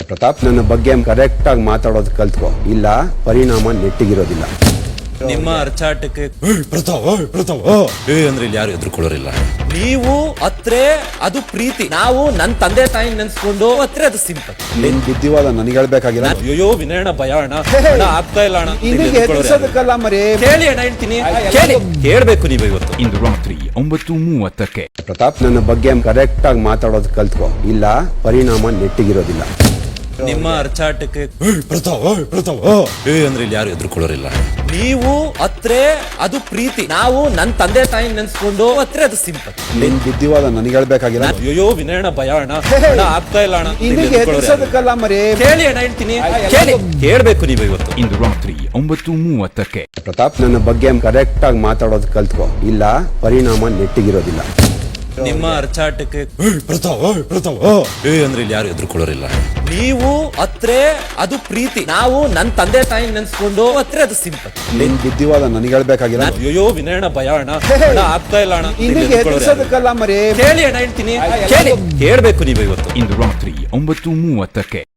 ಪ್ರತಾಪ್, ನನ್ನ ಬಗ್ಗೆ ಕರೆಕ್ಟ್ ಆಗಿ ಮಾತಾಡೋದು ಕಲ್ತ್ಕೋ, ಇಲ್ಲ ಪರಿಣಾಮ ನೆಟ್ಟಿಗಿರೋದಿಲ್ಲ. ನಿಮ್ಮ ಅರ್ಚಾಟಕ್ಕೆ ಅಂದ್ರೆ ಇಲ್ಲಿ ಯಾರು ಎದುರುಕೊಳ್ಳೋರಿಲ್ಲ. ನೀವು ಅತ್ರೆ ಅದು ಪ್ರೀತಿ, ನಾವು ನನ್ನ ತಂದೆ ತಾಯಿ ನೆನ್ಸ್ಕೊಂಡು ಅತ್ರೆ ಅದು ಸಿಂಪಲ್. ನಿನ್ ಬುದ್ಧಿವಾದ ನನಗೆ ಹೇಳ್ಬೇಕಾಗಿಲ್ಲ. ಅಯ್ಯೋ ವಿನಯಣ್ಣ, ಭಯ ಅಣ್ಣ, ಆಗ್ತಾ ಇಲ್ಲ ಅಣ್ಣ. ಎದುರಿಸೋದಕ್ಕಲ್ಲ ಮರಿ, ಕೇಳಿ ಅಣ್ಣ, ಹೇಳ್ತೀನಿ, ಕೇಳ್ಬೇಕು ನೀವು ಇವತ್ತು. ಇಂದು ರಾತ್ರಿ 9:30. ಪ್ರತಾಪ್, ನನ್ನ ಬಗ್ಗೆ ಕರೆಕ್ಟ್ ಆಗಿ ಮಾತಾಡೋದು ಕಲ್ತ್ಕೋ, ಇಲ್ಲ ಪರಿಣಾಮ ನೆಟ್ಟಿಗಿರೋದಿಲ್ಲ. ನಿಮ್ಮ ಅರ್ಚಾಟಕ್ಕೆ ಅಂದ್ರೆ ಇಲ್ಲಿ ಯಾರು ಎದುರುಕೊಳ್ಳೋರಿಲ್ಲ. ನೀವು ಅತ್ರೆ ಅದು ಪ್ರೀತಿ, ನಾವು ನನ್ನ ತಂದೆ ತಾಯಿ ನೆನ್ಸ್ಕೊಂಡು ಅತ್ರೆ ಅದು ಸಿಂಪಲ್. ನಿನ್ ಬುದ್ಧಿವಾದ ನನಗೆ ಹೇಳ್ಬೇಕಾಗಿಲ್ಲ. ಅಯ್ಯೋ ವಿನಯಣ್ಣ, ಭಯ ಅಣ್ಣ, ಆಗ್ತಾ ಇಲ್ಲ ಅಣ್ಣ. ಎದುರಿಸೋದಕ್ಕಲ್ಲ ಮರಿ, ಕೇಳಿ ಅಣ್ಣ, ಹೇಳ್ತೀನಿ, ಕೇಳ್ಬೇಕು ನೀವು ಇವತ್ತು. ಇಂದು ರಾತ್ರಿ 9:30. ಪ್ರತಾಪ್, ನನ್ನ ಬಗ್ಗೆ ಕರೆಕ್ಟ್ ಆಗಿ ಮಾತಾಡೋದು ಕಲ್ತ್ಕೋ, ಇಲ್ಲ ಪರಿಣಾಮ ನೆಟ್ಟಿಗಿರೋದಿಲ್ಲ. ನಿಮ್ಮ ಅರ್ಚಾಟಕ್ಕೆ ಅಂದ್ರೆ ಇಲ್ಲಿ ಯಾರು ಎದುರುಕೊಳ್ಳೋರಿಲ್ಲ. ನೀವು ಅತ್ರೆ ಅದು ಪ್ರೀತಿ, ನಾವು ನನ್ನ ತಂದೆ ತಾಯಿ ನೆನ್ಸ್ಕೊಂಡು ಅತ್ರೆ ಅದು ಸಿಂಪಲ್. ನಿನ್ ಬುದ್ಧಿವಾದ ನನಗೆ ಹೇಳ್ಬೇಕಾಗಿಲ್ಲ. ಅಯ್ಯೋ ವಿನಯಣ್ಣ, ಭಯ ಅಣ್ಣ, ಆಗ್ತಾ ಇಲ್ಲ ಅಣ್ಣ. ಎದುರಿಸೋದಕ್ಕಲ್ಲ ಮರಿ, ಕೇಳಿ ಅಣ್ಣ, ಹೇಳ್ತೀನಿ, ಕೇಳ್ಬೇಕು ನೀವು ಇವತ್ತು. ಇಂದು ರಾತ್ರಿ 9:30.